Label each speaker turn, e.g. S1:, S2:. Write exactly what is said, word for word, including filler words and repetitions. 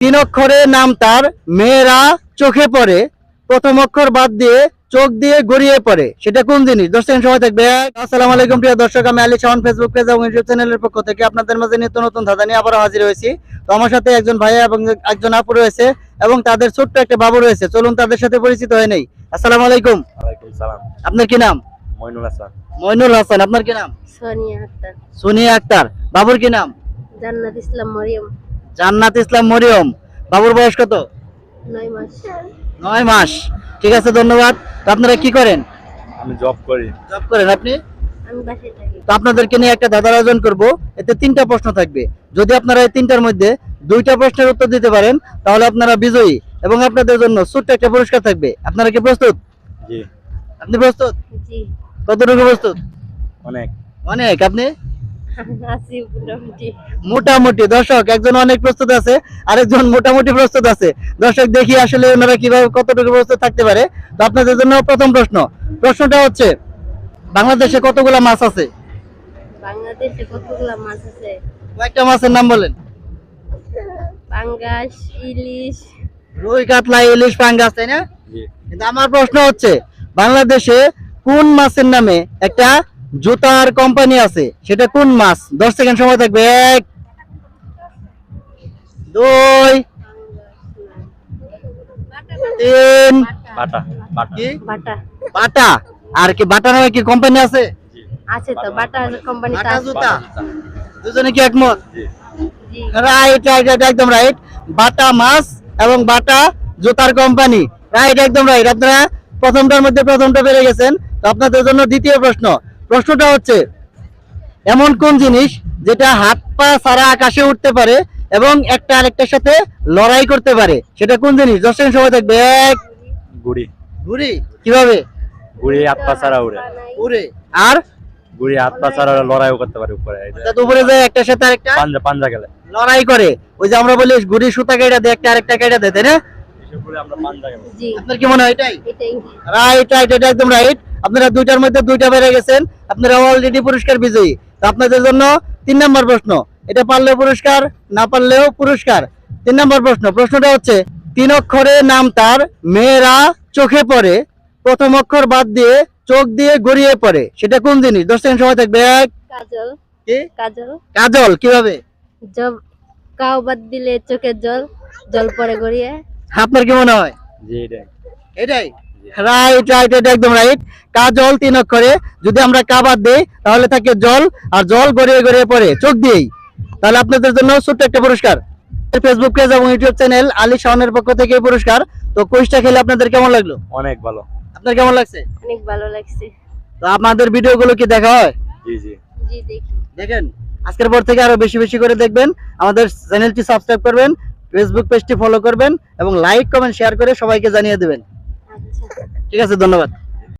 S1: তিন অক্ষরে নাম তার, মেয়েরা চোখে পড়ে, প্রথম অক্ষর বাদ দিয়ে চোখ দিয়ে গড়িয়ে পড়ে, সেটা কোন জিনিস? দশ সেকেন্ড সময় থাকবে। আসসালামু আলাইকুম প্রিয় দর্শক, আমি আলী শাওন ফেসবুক পেজ এবং ইউটিউব চ্যানেলের পক্ষ থেকে আপনাদের মাঝে নিত্য নতুন ধাঁধা নিয়ে আবারও হাজির হয়েছি। তো আমার সাথে একজন ভাইয়া এবং একজন আপু রয়েছে এবং তাদের ছোট্ট একটা বাবু রয়েছে। চলুন তাদের সাথে পরিচিত হয়ে নেই। আসসালামু আলাইকুম।
S2: ওয়ালাইকুম সালাম।
S1: আপনার কি নাম?
S2: মইনুল হাসান।
S1: মইনুল হাসান। আপনার কি নাম?
S3: সোনিয়া আক্তার।
S1: সোনিয়া আক্তার। বাবুর কি নাম?
S3: জান্নাত ইসলাম মরিয়ম।
S1: জান্নাত ইসলাম মরিয়ম। বাবুর বয়স কত?
S3: নয় মাস।
S1: নয় মাস। ঠিক আছে, ধন্যবাদ। তো আপনারা কি করেন?
S2: আমি জব করি।
S1: জব করেন আপনি?
S3: আমি বাসায় থাকি।
S1: তো আপনাদেরকে নিয়ে একটা ধাঁধার আয়োজন করব। এতে তিনটা প্রশ্ন থাকবে। যদি আপনারা এই তিনটার মধ্যে দুইটা প্রশ্নের উত্তর দিতে পারেন তাহলে আপনারা বিজয়ী এবং আপনাদের জন্য ছোট্ট একটা পুরস্কার থাকবে। আপনারা কি প্রস্তুত?
S2: জি।
S1: আপনি প্রস্তুত?
S3: জি।
S1: কতটুকু প্রস্তুত?
S2: অনেক।
S1: অনেক। আপনি?
S3: আছি মোটামুটি।
S1: মোটামুটি। দর্শক, একজন অনেক প্রস্তুত আছে, আরেকজন মোটামুটি প্রস্তুত আছে। দর্শক, দেখি আসলে ওনারা কিভাবে কতটুকু প্রস্তুত থাকতে পারে। তো আপনাদের জন্য প্রথম প্রশ্ন। প্রশ্নটা হচ্ছে, বাংলাদেশে কতগুলা মাছ আছে?
S3: বাংলাদেশে কতগুলা মাছ আছে?
S1: কয়েকটা মাছের নাম বলেন।
S3: পাঙ্গাস, ইলিশ।
S1: রুই, কাতলা, ইলিশ, পাঙ্গাস, তাই না?
S2: জি।
S1: কিন্তু আমার প্রশ্ন হচ্ছে, বাংলাদেশে কোন মাছের নামে একটা জুতার কোম্পানি আছে, সেটা কোন মাছ? দশ সেকেন্ড সময় থাকবে। এক, দুই, তিন।
S2: বাটা। বাটা।
S1: কি?
S3: বাটা।
S1: বাটা। আর কি বাটা নামে কি কোম্পানি আছে?
S3: আছে তো, বাটা কোম্পানি
S1: বাটা
S3: আছে।
S1: জুতা। দুজনে কি একমত?
S2: জি।
S3: জি।
S1: রাইট, রাইট, রাইট, একদম রাইট। বাটা মাছ এবং বাটা জুতার কোম্পানি। রাইট, একদম রাইট। আপনারা প্রথমটার মধ্যে প্রথমটা পেরে গেছেন। তো আপনাদের জন্য দ্বিতীয় প্রশ্ন। প্রশ্নটা হচ্ছে, এমন কোন জিনিস যেটা হাত পা ছাড়া আকাশে উঠতে পারে এবং একটা আরেকটার সাথে লড়াই করতে পারে, সেটা কোন জিনিস? দশ সেকেন্ড সময় থাকবে। এক,
S2: গুড়ি।
S1: ঘুড়ি। কিভাবে?
S2: গুড়ি হাত পা ছাড়া উড়ে।
S1: উড়ে। আর
S2: গুড়ি হাত পা ছাড়া লড়াইও করতে পারে উপরে। এই যে
S1: অর্থাৎ উপরে যায় একটার সাথে আরেকটা
S2: পাঞ্জা পাঞ্জা গেলে
S1: লড়াই করে। ওই যে আমরা বলি ঘুড়ি সুতা কেটে দেয়, একটা আরেকটা কেটে দেয়, তাই না?
S2: এসব করে আমরা পাঞ্জা গেলে।
S3: জি।
S1: আপনার কি মনে হয় এটাই?
S3: এটাই।
S1: রাইট, রাইট, এটা একদম রাইট। আপনারা দুইটার মধ্যে দুইটা বেড়ে গেছেন। আপনারা অলরেডি পুরস্কার বিজয়ী। তো আপনাদের জন্য তিন নম্বর প্রশ্ন। এটা পারলেও পুরস্কার, না পারলেও পুরস্কার। তিন নম্বর প্রশ্ন। প্রশ্নটা হচ্ছে, তিন অক্ষরে নাম তার, মেয়েরা চোখে পড়ে, প্রথম অক্ষর বাদ দিয়ে চোখ দিয়ে গড়িয়ে পড়ে, সেটা কোন জিনিস? দশ সেকেন্ড সময় থাকবে। এক,
S3: কাজল।
S1: কি?
S3: কাজল।
S1: কাজল। কিভাবে?
S3: জব কাও বাদ দিলে চোখের জল, জল পরে গড়িয়ে।
S1: আপনার কি মনে হয়?
S2: জি এটাই।
S1: এটাই রাইট, রাইট, এটা একদম রাইট। কাজল তিন অক্ষরে, যদি আমরা কা বাদ দেই তাহলে থাকে জল, আর জল গড়িয়ে গড়িয়ে পড়ে চোখ দিয়েই। তাহলে আপনাদের জন্য ছোট্ট একটা পুরস্কার। ফেসবুক পেজ এবং ইউটিউব চ্যানেল আলী শাওনের পক্ষ থেকে এই পুরস্কার। তো কুইজটা খেলে আপনাদের কেমন লাগলো?
S2: অনেক ভালো।
S1: আপনার কেমন লাগছে?
S3: অনেক ভালো লাগছে।
S1: তো আপনাদের ভিডিওগুলো কি দেখা হয়?
S2: জি জি।
S3: জি দেখি।
S1: দেখেন। আজকের পর থেকে আরো বেশি বেশি করে দেখবেন। আমাদের চ্যানেলটি সাবস্ক্রাইব করবেন, ফেসবুক পেজটি ফলো করবেন এবং লাইক কমেন্ট শেয়ার করে সবাইকে জানিয়ে দেবেন।
S3: আচ্ছা।
S1: ঠিক আছে, ধন্যবাদ।